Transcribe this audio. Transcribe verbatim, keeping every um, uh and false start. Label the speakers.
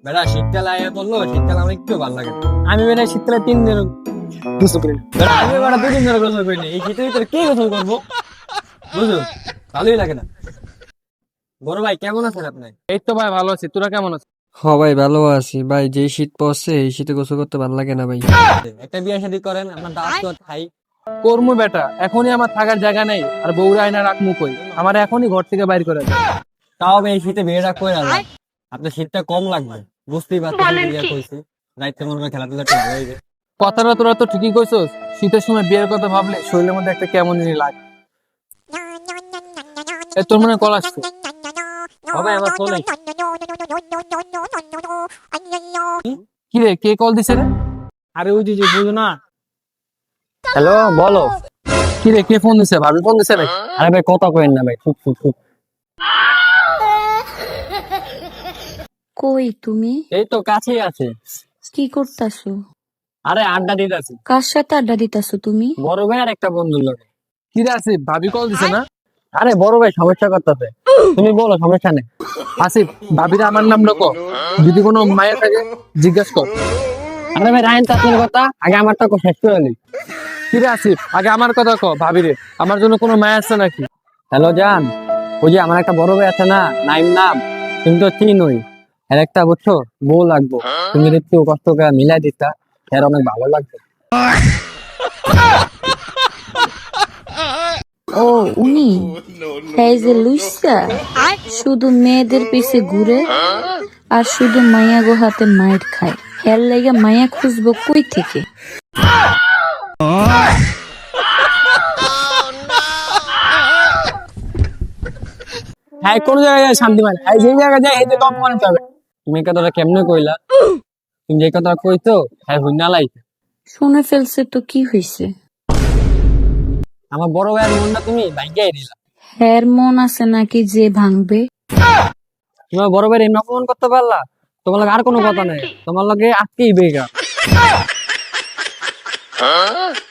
Speaker 1: বেটা শীতকাল আয়া বললো, শীতকাল আমার একটু ভালো লাগে না।
Speaker 2: আমি বেটা শীতকালে তিন দিন গোসল করি না।
Speaker 1: বেটা আমি বেটা দুদিন ধরে গোসল করিনি, এই শীতের ভিতরে কে গোসল করবো? বুঝো, ভালোই লাগে না। বড় ভাই কেমন আছেন আপনি?
Speaker 2: এই তো ভাই ভালো আছি, তোরা কেমন আছিস?
Speaker 3: হ ভাই ভালো আছি ভাই, যে শীত পড়ছে এই শীতে গোসল করতে ভালো লাগে না ভাই।
Speaker 1: একটা বিয়ে শাদী করেন, আপনার দাওয়াত তো খাই।
Speaker 2: কর্ম বেটা, এখনই আমার থাকার জায়গা নেই, আর বউরা আয়না রাখমু কই? আমার এখনই ঘর থেকে বাইর করে দাও।
Speaker 1: তাও আমি এই শীতে বিয়েটা করে আনলাম, আপনার শীতটা কম লাগবে, বুঝতেই পারছেন। বিয়ে কইছি রাইতে মনে করে খেলাধুলা একটু ভালো হয়ে যায়।
Speaker 2: কথাটা তোরা তো ঠিকই কইছস, শীতের সময় বিয়ের কথা ভাবলে শরীরের মধ্যে একটা কেমন জানি লাগে। এ, তোর মনে হয় কল আসছে।
Speaker 1: হবে আমার ফোনে।
Speaker 2: কি রে, কে কল দিছে রে? আরে ওই যে যে বুঝো না।
Speaker 1: হ্যালো, বলো।
Speaker 2: কি রে, কে ফোন দিছে? ভাবি ফোন দিছে নাকি?
Speaker 1: আরে ভাই কথা কইেন না ভাই, খুব খুব খুব।
Speaker 4: কই তুমি?
Speaker 1: এই তো কাছেই আছে।
Speaker 4: কি করতাছো?
Speaker 1: আরে আড্ডা দিতেছি
Speaker 4: কার সাথে আড্ডা দিতাছো তুমি?
Speaker 1: বড় ভাই আর একটা বন্ধুর লোক।
Speaker 2: কি রে আসিফ, ভাবি কল দিছে না?
Speaker 1: আরে বড় ভাই সমস্যা করতেছে, তুমি বলো, সমস্যা নেই।
Speaker 2: আসিফ, ভাবিরা আমার নাম রাখো, যদি কোনো মায়ের থাকে জিজ্ঞাসা কর।
Speaker 1: আরে ভাই রায়ন চাচুর কথা আগে আমারটা শেষ করে নি।
Speaker 2: কি রে আসিফ, আগে আমার কথা কো, ভাবিরে আমার জন্য কোনো মায় আছে নাকি?
Speaker 1: হ্যালো জান, ওই যে আমার একটা বড় ভাই আছে না, নাইম নাম, তুমি তো চিনোই। এর একটা বুঝছো বউ লাগবো, তুমি যদি একটু কষ্ট করে মিলাই দিতা, এর অনেক ভালো লাগবে।
Speaker 4: ও উনি এই যে লুইসা শুধু মেয়েদের পিছে ঘুরে আর শুধু মায়া গো হাতে মায়ের খায়। হের লাগে মায়া খুঁজবো কই থেকে?
Speaker 2: হ্যাঁ, কোন জায়গায় যায় শান্তি মানে, এই যে জায়গায় যায় এই যে কম মনে পাবে।
Speaker 1: তুমি এই কথাটা কেমনে কইলা? তুমি যে কথা কইতো হ্যাঁ হুইনা লাই।
Speaker 4: শুনে ফেলছে তো কি হইছে?
Speaker 1: আমার বড় ভাইয়ের মনটা তুমি ভাঙ্গাই দিলা।
Speaker 4: হের মন আছে নাকি যে ভাঙবে?
Speaker 1: তোমার বড় ভাইয়ের এমন অপমান করতে পারলা? তোমার লাগে আর কোনো কথা নেই, তোমার লাগে আজকেই বেগা।